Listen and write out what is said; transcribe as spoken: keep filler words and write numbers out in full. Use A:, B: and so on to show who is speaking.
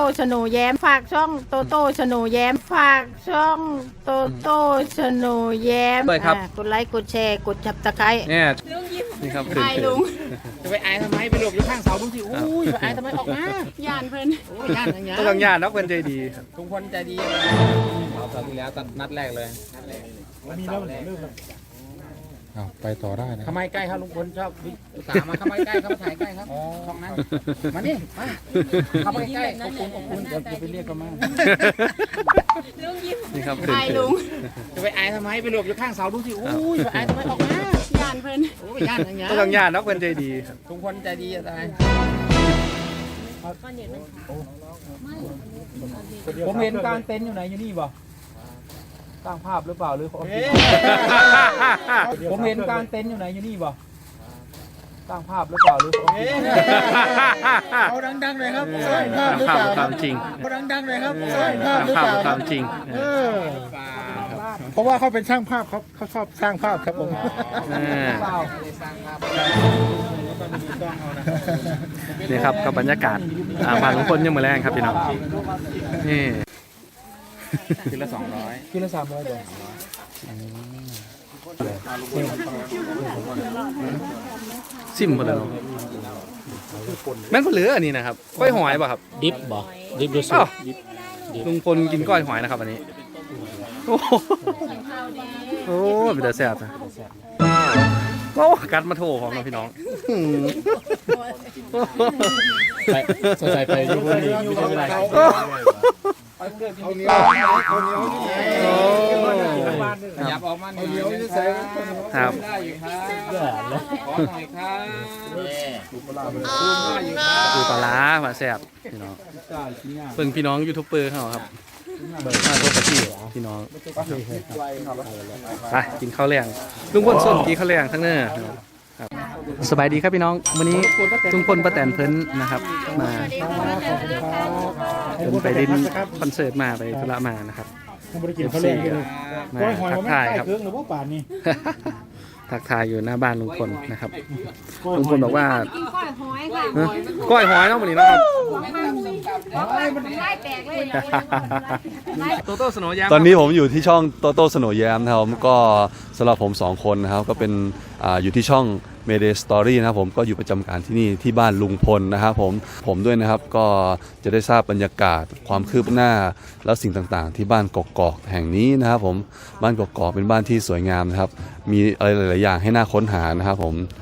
A: ชโนแย้มฝากช่องโตโต้ชโนแย้มฝากช่องโตโต้ชโนแย้ม
B: ด้วยครับ
A: อ่ากดไลค์กดแชร์กดจับตะไคร้
B: เนี่ยนี่ครับคือ
A: ไอ้ลุง
C: จะไปอายทำไมไปหลบอยู่ข้างเสาดูสิอุ้ยไปอายทำไมออกมา
A: ย่านเพิ่น
C: โอ้ยย่านอย่างเงี้ย
B: ก็ต้องญาตินักเพื่อนใจดีครับ
C: ทุกคนใจดีเราคราวที่แล้วนัดแรกเลยมีแล้วเริ่ม
D: ไปต่อได้นะ
C: ทำไมใกล้ครับลุงพลชอบอุตส่าห์มาทำไมใกล้ครับมาถ่ายใกล้ครับช่องนั้นมานี่มาเข้าไปใกล้ขอบคุณขอบคุณจะไปเรียกกันมา
B: นี่ครับคือ
A: ไอ้ลุง
C: จะไปอายทำไมไปหลบอยู่ข้างเสาดูสิอุ้ยไปอายทำไมออกมา
A: ย่านเพิ่น
C: โอ้ยย่านอย่างเงี้ย
B: ก็ต้องญาตินักเพื่อนใจดีครับ
C: ทุกคนใจดีจะตายผมเห็นกลางเต็นท์อยู่ไหนอยู่นี่บ่สร้างภาพหรือเปล่าหรือผมเห็นกลางเต็นท์อยู่ไหนอยู่นี่บ่สร้างภาพหรือเปล่าหรือ
D: เอาดังๆเลยครับสร้างภาพหรือ
B: ภา
D: เป
B: พ
D: ล่า
B: ความจริง
D: เอาดังๆเลยครับสร้างภาพหรือ
B: ภา
D: เป
B: พ
D: ล่า
B: ความจริง
D: เออเพราะว่าเขาเป็นช่างภาพเขาเขาชอบสร้างภาพครับผม
B: อ่า
C: เปล่า
B: นี่ครับกับบรรยากาศอ่าบ้านลุงพลยังมือแรงครับพี่น้องนี่
C: คืนละสองร้อยคืนละสามร้อยเดียว
B: ซิมหมดเลยเนาะแม่นคนเหลืออันนี้นะครับก้อยหอยป่ะครับ
E: ดิฟบ่ดิฟดูสุ
B: อ้า
E: ด
B: วลุงพลกินก้อยหอยนะครับอันนี้โอ้โหโอ้เป็นแต่แซ่บนะโอ้กัดมาโถของเราพี่น้อง
E: ไปสนใจไปยูบุรีไม่ใช่ไร
D: เอาเหนียวเอาเหนียวนี่
C: ขยับออกมาหน่อย
B: ครับ
C: ได้อยู่ครับ
E: เดือดเลย
C: ขอหน่อยครับ
B: ดูปลาร้ามาแซ่บพี่น้องเพิ่งพี่น้องยูทูบเบอร์เขาครับมาโทษกับพี่พี่น้องไปกินข้าวแรงลุงพลส้นกินข้าวแรงทั้งเนื้อครับสบายดีครับพี่น้องวันนี้ลุงพลป้าแตนเพิ่นนะครับมาเพิ่นไปดินคอนเสิร์ตมาไปธุระมานะครับ
D: บริกินเขาเล่นกันเลย
B: มา
D: ก้อยหอย
B: ทั
D: มัน
B: ก
D: ไม่
B: ทาย
D: ใต้
B: ครับ
D: เครื่องหรือว่าป่านนี่
B: ทักทายอยู่หน้าบ้านลุงพลนะครับ
D: ก้อย
B: ลุง
D: ห
B: พ
D: อย
B: ลบอกว่า
A: กินก้อยหอยค่ะ
B: ฮะก้อยหอยเนาะวันนี้นะครับ
A: ไล่แตกเลย
B: โตโต้สโนว์แย้ม
F: ตอนนี้ผมอยู่ที่ช่องโตโต้สโนว์แยมนะครับก็สำหรับผมสองคนนะครับก็เป็นอ่าอยู่ที่ช่อง Mayday Story นะครับผมก็อยู่ประจำการที่นี่ที่บ้านลุงพลนะครับผมผมด้วยนะครับก็จะได้ทราบบรรยากาศความคืบหน้าแล้วสิ่งต่างๆ ที่บ้านกกอกแห่งนี้นะครับผมบ้านกกอกเป็นบ้านที่สวยงามนะครับมีอะไรหลายๆอย่างให้น่าค้นหานะครับผม